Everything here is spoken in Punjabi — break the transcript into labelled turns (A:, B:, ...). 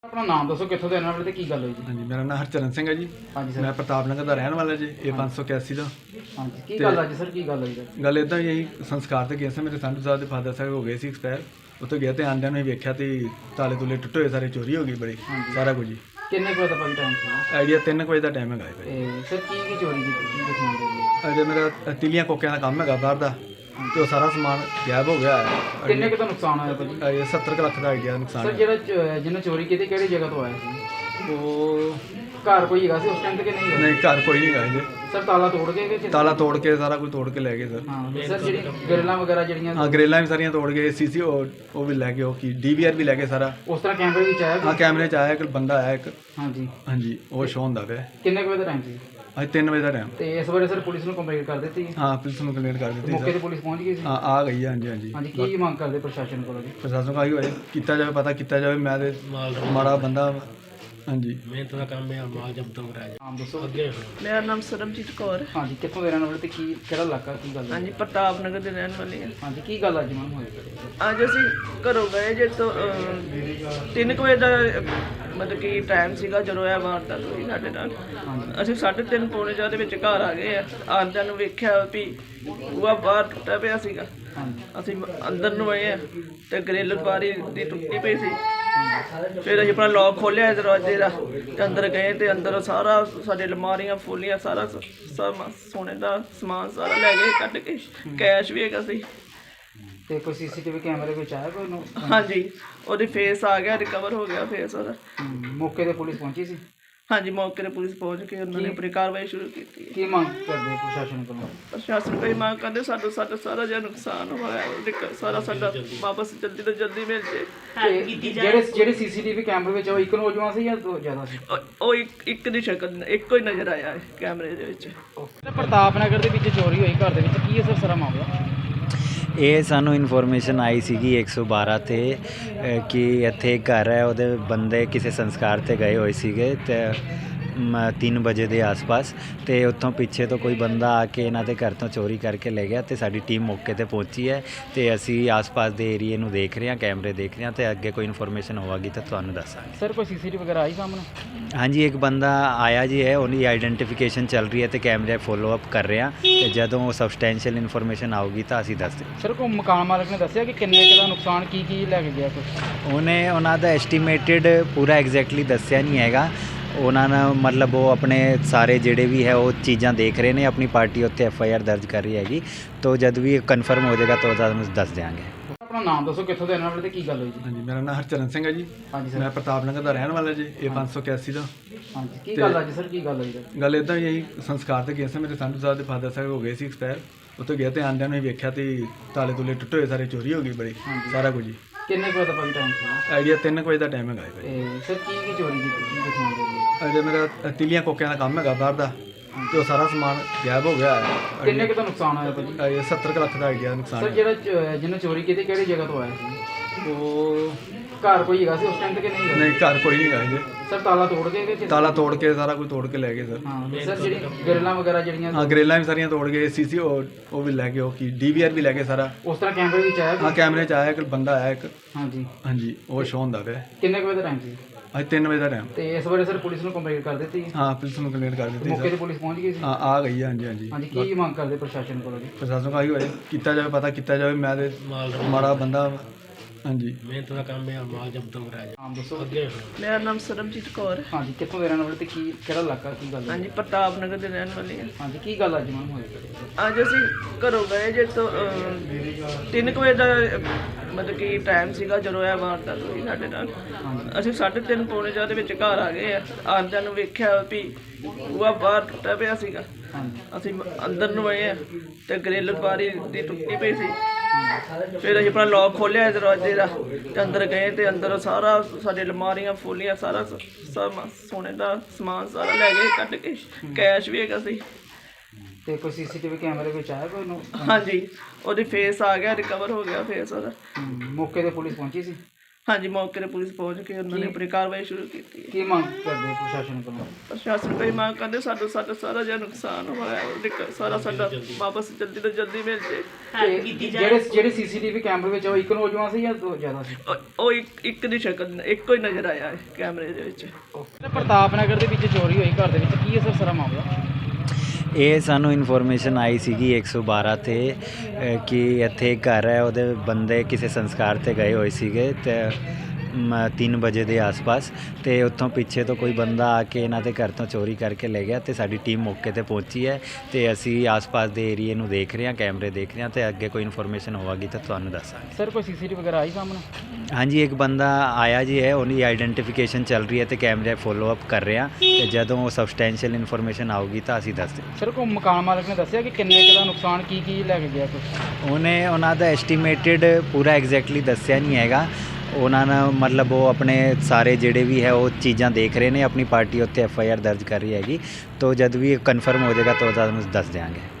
A: अपना नाम दसो कितों के रहने वाले ते की गल हुई जी?
B: हाँ जी, मेरा नाम हरचरण सिंह है जी।
A: हाँ जी सर।
B: मैं प्रताप नगर का रहने वाला जी। ये 581 का
A: हाँ जी की
B: ते
A: गल अज सर की गल हुई सर?
B: गल इदा ही संस्कार ते गए थे। मेरे संत साहब के फादर साहब हो गए सी एक्सपायर। उत्थे गया तो आंदिया ही वेख्या तो ताले तुले टुटे हुए, सारे चोरी हो गई बड़ी,
A: हाँ जी।
B: सारा कुछ जी।
A: किन्ने कुछ भाई टाइम से?
B: आइडिया 3 बजे का टाइम है भाई।
A: सर की चोरी की दसना चाहिए?
B: अजे मेरा तिलियां कोकियां का काम है बाहर का, तो सारा समान गायब हो गया है।
A: किन्ने का नुकसान होया भाजी?
B: ये 70 लाख का आइडिया नुकसान
A: सर
B: है।
A: ਜਿਹੜਾ ਜਿਹਨੇ ਚੋਰੀ ਕੀਤੀ ਕਿਹੜੀ ਜਗ੍ਹਾ ਤੋਂ ਆਇਆ ਸੀ?
B: वो
A: ਘਰ ਕੋਈ ਹੈਗਾ ਸੀ ਉਸ ਟਾਈਮ ਤੇ ਕਿ ਨਹੀਂ?
B: नहीं, घर कोई नहीं गए।
A: ਸਰ ਤਾਲਾ ਤੋੜ ਕੇ ਕਿ
B: ताला तोड़ के सारा कुछ तोड़ के ले गए सर।
A: ਹਾਂ ਸਰ ਜਿਹੜੀ ਗਰਲਾਂ ਵਗੈਰਾ ਜਿਹੜੀਆਂ
B: हाँ, ग्रेलां भी सारियां तोड़ गए। सीसी वो भी ले गए, वो की DVR भी ले गए सारा।
A: ਉਸ ਤਰ੍ਹਾਂ ਕੈਮਰੇ ਵਿੱਚ ਆਇਆ
B: हाँ, कैमरे च आया एक बंदा आया एक।
A: ਹਾਂਜੀ
B: हाँ जी, वो शो होंदा पे
A: ਕਿੰਨੇ ਕੁ ਵਜੇ ਦਾ ਟਾਈਮ ਸੀ?
B: अज 3 बजे का टाइम।
A: ਤੇ ਇਸ ਬਾਰੇ ਸਰ ਪੁਲਿਸ ਨੂੰ ਕੰਪਲੇਂਟ ਕਰ ਦਿੱਤੀ?
B: हाँ, पुलिस ने कंप्लेंट कर दी
A: ਮੌਕੇ
B: सर।
A: ਤੇ ਪੁਲਿਸ ਪਹੁੰਚ ਗਈ ਸੀ?
B: हाँ, आ गई है। हाँ जी, हाँ जी।
A: ਹਾਂਜੀ ਕੀ ਮੰਗ ਕਰਦੇ ਪ੍ਰਸ਼ਾਸਨ ਕੋਲੋਂ ਜੀ?
B: प्रशासन का ही किया जाए, पता किया जाए। मैं ते माड़ा बंदा। हाँ जी,
C: ਮਿਹਨਤ ਦਾ ਕੰਮ ਹੈ, ਮਾਲ ਜਬਤ ਕਰਾਇਆ
A: ਨਾਮ ਦੱਸੋ।
C: ਅੱਗੇ
D: ਮੇਰਾ ਨਾਮ ਸਰਬਜੀਤ ਕੌਰ।
A: ਹਾਂਜੀ ਕਿੱਥੋਂ ਦੇ ਰਹਿਣ ਵਾਲੇ ਤੇ ਕੀ ਕਿਹੜਾ ਇਲਾਕਾ ਕੀ ਗੱਲ ਹੈ?
D: ਹਾਂਜੀ, ਪ੍ਰਤਾਪ ਨਗਰ ਦੇ ਰਹਿਣ ਵਾਲੇ ਹਾਂ।
A: ਹਾਂਜੀ ਕੀ ਗੱਲ ਅੱਜ ਮੈਮ ਹੋਈ?
D: ਅੱਜ ਅਸੀਂ ਘਰੋਂ ਗਏ ਜੇ ਤੋਂ 3 ਵਜੇ ਦਾ ਮਤਲਬ ਕਿ ਟਾਈਮ ਸੀਗਾ ਜਦੋਂ ਇਹ ਵਾਰਦਾਤ ਹੋਈ ਸਾਡੇ ਨਾਲ। ਅਸੀਂ 3:30 ਪੌਣੇ 4 ਦੇ ਵਿੱਚ ਘਰ ਆ ਗਏ ਆ। ਆਉਂਦਿਆਂ ਨੂੰ ਵੇਖਿਆ ਵੀ ਬੂਹਾ ਬਾਹਰ ਟੁੱਟਾ ਪਿਆ ਸੀਗਾ।
A: ਹਾਂਜੀ
D: ਅਸੀਂ ਅੰਦਰ ਨੂੰ ਆਏ ਆ ਤੇ ਗ੍ਰਿਲ ਬਾਰੀ ਦੀ ਟੁੱਟੀ ਪਈ ਸੀ। ਫਿਰ ਅਸੀਂ ਆਪਣਾ ਲੋਕ ਖੋਲ੍ਹਿਆ ਦਰਵਾਜ਼ੇ ਦਾ ਤੇ ਅੰਦਰ ਗਏ ਤੇ ਅੰਦਰ ਸਾਰਾ ਸਾਡੇ ਅਲਮਾਰੀਆਂ ਫੋਲੀਆਂ ਸਾਰਾ ਸੋਨੇ ਦਾ ਸਮਾਨ ਸਾਰਾ ਲੈ ਗਏ ਕੱਢ ਕੇ। ਕੈਸ਼ ਵੀ ਹੈਗਾ ਸੀ।
A: ਤੇ ਕੋਈ ਸੀਸੀਟੀਵੀ ਕੈਮਰੇ ਵਿੱਚ ਆਇਆ ਕੋਈ ਨੂੰ?
D: ਹਾਂਜੀ, ਉਹਦੀ ਫੇਸ ਆ ਗਿਆ, ਰਿਕਵਰ ਹੋ ਗਿਆ ਫੇਸ ਉਹਦਾ।
A: ਮੌਕੇ ਤੇ ਪੁਲਿਸ ਪਹੁੰਚੀ ਸੀ?
D: ਹਾਂਜੀ, ਮੌਕੇ 'ਤੇ ਪੁਲਿਸ ਪਹੁੰਚ ਕੇ ਉਹਨਾਂ ਨੇ ਆਪਣੀ ਕਾਰਵਾਈ ਸ਼ੁਰੂ ਕੀਤੀ ਹੈ।
A: ਕੀ ਮੰਗ ਕਰਦੇ ਪ੍ਰਸ਼ਾਸਨ ਕੋਲੋਂ?
D: ਪ੍ਰਸ਼ਾਸਨ ਕੋਈ ਮੰਗ ਕਰਦੇ ਸਾਡਾ ਸਾਰਾ ਜਿਹਾ ਨੁਕਸਾਨ ਹੋਇਆ ਸਾਰਾ ਸਾਡਾ ਵਾਪਸ ਜਲਦੀ ਤੋਂ ਜਲਦੀ ਮਿਲ ਜੇ।
A: ਤੇ ਜਿਹੜੇ ਸੀਸੀਟੀਵੀ ਕੈਮਰੇ ਵਿੱਚ ਉਹ ਇੱਕ ਨੌਜਵਾਨ ਸੀ ਜਾਂ ਦੋ ਜ਼ਿਆਦਾ ਸੀ?
D: ਉਹ ਇੱਕ ਦੀ ਸ਼ਕਲ ਇੱਕੋ ਹੀ ਨਜ਼ਰ ਆਇਆ ਕੈਮਰੇ ਦੇ ਵਿੱਚ।
A: ਪ੍ਰਤਾਪ ਨਗਰ ਦੇ ਵਿੱਚ ਚੋਰੀ ਹੋਈ ਘਰ ਦੇ ਵਿੱਚ, ਕੀ ਹੈ ਸਰ ਸਾਰਾ ਮਾਮਲਾ?
E: ਇਹ ਸਾਨੂੰ ਇਨਫੋਰਮੇਸ਼ਨ ਆਈ ਸੀਗੀ 112 ਤੇ ਕਿ ਇੱਥੇ ਇੱਕ ਘਰ ਹੈ, ਉਹਦੇ ਬੰਦੇ ਕਿਸੇ ਸੰਸਕਾਰ ਤੇ ਗਏ ਹੋਏ ਸੀਗੇ ਤੇ 3 ਵਜੇ ਦੇ ਆਸ-ਪਾਸ ਤੇ ਉੱਥੋਂ ਪਿੱਛੇ ਤੋਂ ਕੋਈ ਬੰਦਾ ਆ ਕੇ ਇਹਨਾਂ ਦੇ ਘਰ ਤੋਂ ਚੋਰੀ ਕਰਕੇ ਲੈ ਗਿਆ ਤੇ ਸਾਡੀ ਟੀਮ ਮੌਕੇ ਤੇ ਪਹੁੰਚੀ ਹੈ ਤੇ ਅਸੀਂ ਆਸ-ਪਾਸ ਦੇ ਏਰੀਏ ਨੂੰ ਦੇਖ ਰਹੇ ਹਾਂ, ਕੈਮਰੇ ਦੇਖ ਰਹੇ ਹਾਂ ਤੇ ਅੱਗੇ ਕੋਈ ਇਨਫੋਰਮੇਸ਼ਨ ਹੋਵੇਗੀ ਤਾਂ ਤੁਹਾਨੂੰ ਦੱਸਾਂਗੇ।
A: ਸਰ ਕੋਈ ਸੀਸੀਟੀਵੀ ਵਗੈਰਾ ਆਈ ਸਾਹਮਣੇ?
E: ਹਾਂਜੀ, ਇੱਕ ਬੰਦਾ ਆਇਆ ਜੀ ਹੈ, ਉਹਦੀ ਆਈਡੈਂਟੀਫਿਕੇਸ਼ਨ ਚੱਲ ਰਹੀ ਹੈ ਤੇ ਕੈਮਰੇ ਫੋਲੋ ਅਪ ਕਰ ਰਹੇ ਹਾਂ ਤੇ ਜਦੋਂ ਸਬਸਟੈਂਸ਼ੀਅਲ ਇਨਫੋਰਮੇਸ਼ਨ ਆਊਗੀ ਤਾਂ ਅਸੀਂ ਦੱਸ ਦਿਆਂਗੇ।
A: ਸਰ ਕੋਈ ਮਕਾਨ ਮਾਲਕ ਨੇ ਦੱਸਿਆ ਕਿ ਕਿੰਨੇ ਕੁ ਦਾ ਨੁਕਸਾਨ ਕੀ ਲੈ ਕੇ ਗਿਆ ਕੁਛ?
E: ਉਹਨਾਂ ਦਾ ਐਸਟੀਮੇਟਿਡ ਪੂਰਾ ਐਗਜ਼ੈਕਟਲੀ ਦੱਸਿਆ ਨਹੀਂ ਹੈਗਾ। ਉਹਨਾਂ ਨੇ ਮਤਲਬ ਉਹ ਆਪਣੇ ਸਾਰੇ ਜਿਹੜੇ ਵੀ ਹੈ ਉਹ ਚੀਜ਼ਾਂ ਦੇਖ ਰਹੇ ਨੇ, ਆਪਣੀ ਪਾਰਟੀ ਉੱਤੇ FIR ਦਰਜ ਕਰ ਰਹੀ ਹੈਗੀ। ਤਾਂ ਜਦ ਵੀ ਕਨਫਰਮ ਹੋ ਜਾਏਗਾ ਤਾਂ ਤੁਹਾਨੂੰ ਦੱਸ ਦਿਆਂਗੇ।
A: ਆਪਣਾ ਨਾਮ ਦੱਸੋ ਕਿੱਥੋਂ ਦੇ ਰਹਿਣ ਵਾਲੇ ਤੇ ਕੀ ਗੱਲ ਹੋਈ ਜੀ?
B: हाँ जी, मेरा नाम हरचरण सिंह है जी।
A: ਹਾਂਜੀ
B: मैं
A: ਸਰ।
B: प्रताप नगर का रहने वाला जी। ये 581 का
A: ਹਾਂਜੀ ਕੀ ਗੱਲ ਅੱਜ ਸਰ ਕੀ ਗੱਲ ਹੋਈ ਸਰ?
B: गल इदा ही संस्कार ते गए थे। मेरे संत साहब के फादर साहब हो गए सी एक्सपायर। उत्थे गया तो आंदिया ही वेख्या तो ताले तुले टुटे हुए, सारे चोरी हो गई बड़ी, सारा कुछ जी।
A: ਕਿੰਨੇ ਕੁ ਦਾ ਭਾਈ ਟਾਈਮ ਸੀ?
B: आइडिया 3 बजे का टाइम है भाई।
A: ਸਰ ਕੀ ਚੋਰੀ ਕੀਤੀ ਦਸਣਾ चाहिए?
B: अजे मेरा तिलियां कोकियां का काम है बाहर का, तो सारा समान गायब हो गया है।
A: ਕਿੰਨੇ ਕੁ ਦਾ ਨੁਕਸਾਨ ਹੋਇਆ ਭਾਜੀ?
B: ये 70 लाख का आइडिया नुकसान
A: ਸਰ
B: है।
A: ਜਿਹੜਾ ਜਿਹਨੇ ਚੋਰੀ ਕੀਤੀ ਕਿਹੜੀ ਜਗ੍ਹਾ ਤੋਂ ਆਇਆ ਸੀ?
B: वो
A: ਘਰ ਕੋਈ ਹੈਗਾ ਸੀ ਉਸ ਟਾਈਮ ਤੇ ਕਿ ਨਹੀਂ?
B: नहीं, घर कोई नहीं गए।
A: ਸਰ ਤਾਲਾ ਤੋੜ ਕੇ ਕਿ
B: ताला तोड़ के सारा कुछ तोड़ के ले गए सर।
A: ਹਾਂ ਸਰ ਜਿਹੜੀ ਗਰਲਾਂ ਵਗੈਰਾ ਜਿਹੜੀਆਂ
B: हाँ, ग्रेलां भी सारियां तोड़ गए। सीसी वो भी ले गए, वो की DVR भी ले गए सारा।
A: ਉਸ ਤਰ੍ਹਾਂ ਕੈਮਰੇ ਵਿੱਚ ਆਇਆ
B: हाँ, कैमरे च आया एक बंदा आया एक।
A: ਹਾਂਜੀ
B: हाँ जी, वो शो होंदा पे
A: ਕਿੰਨੇ ਕੁ ਵਜੇ ਦਾ ਟਾਈਮ ਸੀ?
B: अज 3 बजे का टाइम।
A: ਤੇ ਇਸ ਬਾਰੇ ਸਰ ਪੁਲਿਸ ਨੂੰ ਕੰਪਲੇਂਟ ਕਰ ਦਿੱਤੀ?
B: हाँ, पुलिस ने कंप्लेंट कर दी
A: ਮੌਕੇ
B: सर।
A: ਤੇ ਪੁਲਿਸ ਪਹੁੰਚ ਗਈ ਸੀ?
B: हाँ, आ गई है। हाँ जी, हाँ जी।
A: ਹਾਂਜੀ ਕੀ ਮੰਗ ਕਰਦੇ ਪ੍ਰਸ਼ਾਸਨ ਕੋਲੋਂ ਜੀ?
B: प्रशासन का ही किया जाए, पता किया जाए। मैं ते माड़ा बंदा। हाँ जी,
C: ਮਿਹਨਤ ਦਾ ਕੰਮ ਹੈ, ਮਾਲ ਜਬਤ ਕਰਾਇਆ
A: ਨਾਮ ਦੱਸੋ।
C: ਅੱਗੇ
D: ਮੇਰਾ ਨਾਮ ਸਰਬਜੀਤ ਕੌਰ।
A: ਹਾਂਜੀ ਕਿੱਥੋਂ ਦੇ ਰਹਿਣ ਵਾਲੇ ਤੇ ਕੀ ਕਿਹੜਾ ਇਲਾਕਾ ਕੀ ਗੱਲ ਹੈ?
D: ਹਾਂਜੀ, ਪ੍ਰਤਾਪ ਨਗਰ ਦੇ ਰਹਿਣ ਵਾਲੇ ਹਾਂ।
A: ਹਾਂਜੀ ਕੀ ਗੱਲ ਅੱਜ ਮੈਮ ਹੋਈ?
D: ਅੱਜ ਅਸੀਂ ਘਰੋਂ ਗਏ ਜੇ ਤੋਂ 3 ਵਜੇ ਦਾ ਮਤਲਬ ਕਿ ਟਾਈਮ ਸੀਗਾ ਜਦੋਂ ਇਹ ਵਾਰਦਾਤ ਹੋਈ ਸਾਡੇ ਨਾਲ। ਅਸੀਂ 3:30 ਪੌਣੇ 4 ਦੇ ਵਿੱਚ ਘਰ ਆ ਗਏ ਆ। ਆਉਂਦਿਆਂ ਨੂੰ ਵੇਖਿਆ ਵੀ ਬੂਹਾ ਬਾਹਰ ਟੁੱਟਾ ਪਿਆ ਸੀਗਾ। ਅਸੀਂ ਅੰਦਰ ਨੂੰ ਆਏ ਆ ਤੇ ਗ੍ਰਿਲ ਬਾਰੀ ਦੀ ਟੁੱਟੀ ਪਈ ਸੀ। ਫਿਰ ਅਸੀਂ ਆਪਣਾ ਲੋਕ ਖੋਲ੍ਹਿਆ ਦਰਵਾਜ਼ੇ ਦਾ ਤੇ ਅੰਦਰ ਗਏ ਤੇ ਅੰਦਰ ਸਾਰਾ ਸਾਡੇ ਅਲਮਾਰੀਆਂ ਫੋਲੀਆਂ ਸਾਰਾ ਸੋਨੇ ਦਾ ਸਮਾਨ ਸਾਰਾ ਲੈ ਗਏ ਕੱਢ ਕੇ। ਕੈਸ਼ ਵੀ ਹੈਗਾ ਸੀ।
A: ਤੇ ਕੋਈ ਸੀਸੀਟੀਵੀ ਕੈਮਰੇ ਵਿੱਚ ਆਇਆ ਕੋਈ ਨੂੰ?
D: ਹਾਂਜੀ, ਉਹਦੀ ਫੇਸ ਆ ਗਿਆ, ਰਿਕਵਰ ਹੋ ਗਿਆ ਫੇਸ ਉਹਦਾ।
A: ਮੌਕੇ ਤੇ ਪੁਲਿਸ ਪਹੁੰਚੀ ਸੀ?
D: ਹਾਂਜੀ, ਮੌਕੇ ਤੇ ਪੁਲਿਸ ਪਹੁੰਚ ਕੇ ਉਹਨਾਂ ਨੇ ਆਪਣੀ ਕਾਰਵਾਈ ਸ਼ੁਰੂ ਕੀਤੀ ਹੈ।
A: ਕੀ ਮੰਗ ਕਰਦੇ ਪ੍ਰਸ਼ਾਸਨ ਕੋਲੋਂ?
D: ਪ੍ਰਸ਼ਾਸਨ ਕੋਈ ਮੰਗ ਕਰਦੇ ਸਾਡਾ ਸਾਰਾ ਜਿਹਾ ਨੁਕਸਾਨ ਹੋਇਆ ਉਹਦੇ ਸਾਰਾ ਸਾਡਾ ਵਾਪਸ ਜਲਦੀ ਤੋਂ ਜਲਦੀ ਮਿਲ ਜੇ।
A: ਤੇ ਜਿਹੜੇ ਸੀਸੀਟੀਵੀ ਕੈਮਰੇ ਵਿੱਚ ਉਹ ਇੱਕ ਨੌਜਵਾਨ ਸੀ ਜਾਂ ਦੋ ਜ਼ਿਆਦਾ ਸੀ?
D: ਉਹ ਇੱਕ ਦੀ ਸ਼ਕਲ ਇੱਕੋ ਹੀ ਨਜ਼ਰ ਆਇਆ ਹੈ ਕੈਮਰੇ ਦੇ ਵਿੱਚ।
A: ਪ੍ਰਤਾਪ ਨਗਰ ਦੇ ਵਿੱਚ ਚੋਰੀ ਹੋਈ ਘਰ ਦੇ ਵਿੱਚ, ਕੀ ਹੈ ਸਰ ਸਾਰਾ ਮਾਮਲਾ?
E: ਇਹ ਸਾਨੂੰ ਇਨਫੋਰਮੇਸ਼ਨ ਆਈ ਸੀਗੀ 112 ਤੇ ਕਿ ਇੱਥੇ ਇੱਕ ਘਰ ਹੈ, ਉਹਦੇ ਬੰਦੇ ਕਿਸੇ ਸੰਸਕਾਰ ਤੇ ਗਏ ਹੋਏ ਸੀਗੇ ਤੇ 3 ਵਜੇ ਦੇ ਆਸ-ਪਾਸ, ਤੇ ਉੱਥੋਂ ਪਿੱਛੇ ਤੋਂ ਕੋਈ ਬੰਦਾ ਆ ਕੇ ਇਹਨਾਂ ਦੇ ਘਰ ਤੋਂ ਚੋਰੀ ਕਰਕੇ ਲੈ ਗਿਆ ਤੇ ਸਾਡੀ ਟੀਮ ਮੌਕੇ ਤੇ ਪਹੁੰਚੀ ਹੈ ਤੇ ਅਸੀਂ ਆਸ-ਪਾਸ ਦੇ ਏਰੀਏ ਨੂੰ ਦੇਖ ਰਹੇ ਹਾਂ, ਕੈਮਰੇ ਦੇਖ ਰਹੇ ਹਾਂ ਤੇ ਅੱਗੇ ਕੋਈ ਇਨਫੋਰਮੇਸ਼ਨ ਹੋਵੇਗੀ ਤਾਂ ਤੁਹਾਨੂੰ ਦੱਸਾਂਗੇ।
A: ਸਰ ਕੋਈ ਸੀਸੀਟੀਵੀ ਵਗੈਰਾ ਆਈ ਸਾਹਮਣੇ?
E: ਹਾਂਜੀ, ਇੱਕ ਬੰਦਾ ਆਇਆ ਜੀ ਹੈ, ਉਹਦੀ ਆਈਡੈਂਟੀਫਿਕੇਸ਼ਨ ਚੱਲ ਰਹੀ ਹੈ ਤੇ ਕੈਮਰੇ ਫੋਲੋ ਅਪ ਕਰ ਰਹੇ ਹਾਂ ਤੇ ਜਦੋਂ ਸਬਸਟੈਂਸ਼ੀਅਲ ਇਨਫੋਰਮੇਸ਼ਨ ਆਊਗੀ ਤਾਂ ਅਸੀਂ ਦੱਸ ਦਿਆਂਗੇ।
A: ਸਰ ਕੋਈ ਮਕਾਨ ਮਾਲਕ ਨੇ ਦੱਸਿਆ ਕਿ ਕਿੰਨੇ ਕੁ ਦਾ ਨੁਕਸਾਨ, ਕੀ ਲੈ ਕੇ ਗਿਆ ਕੁਛ?
E: ਉਹਨਾਂ ਦਾ ਐਸਟੀਮੇਟਡ ਪੂਰਾ ਐਗਜ਼ੈਕਟਲੀ ਦੱਸਿਆ ਨਹੀਂ ਹੈਗਾ। ਉਹਨਾਂ ਨੇ ਮਤਲਬ ਉਹ ਆਪਣੇ ਸਾਰੇ ਜਿਹੜੇ ਵੀ ਹੈ ਉਹ ਚੀਜ਼ਾਂ ਦੇਖ ਰਹੇ ਨੇ, ਆਪਣੀ ਪਾਰਟੀ ਉੱਤੇ FIR ਦਰਜ ਕਰ ਰਹੀ ਹੈਗੀ, ਤਾਂ ਜਦ ਵੀ ਕਨਫਰਮ ਹੋ ਜਾਏਗਾ ਤਾਂ ਤੁਹਾਨੂੰ ਦੱਸ ਦਿਆਂਗੇ।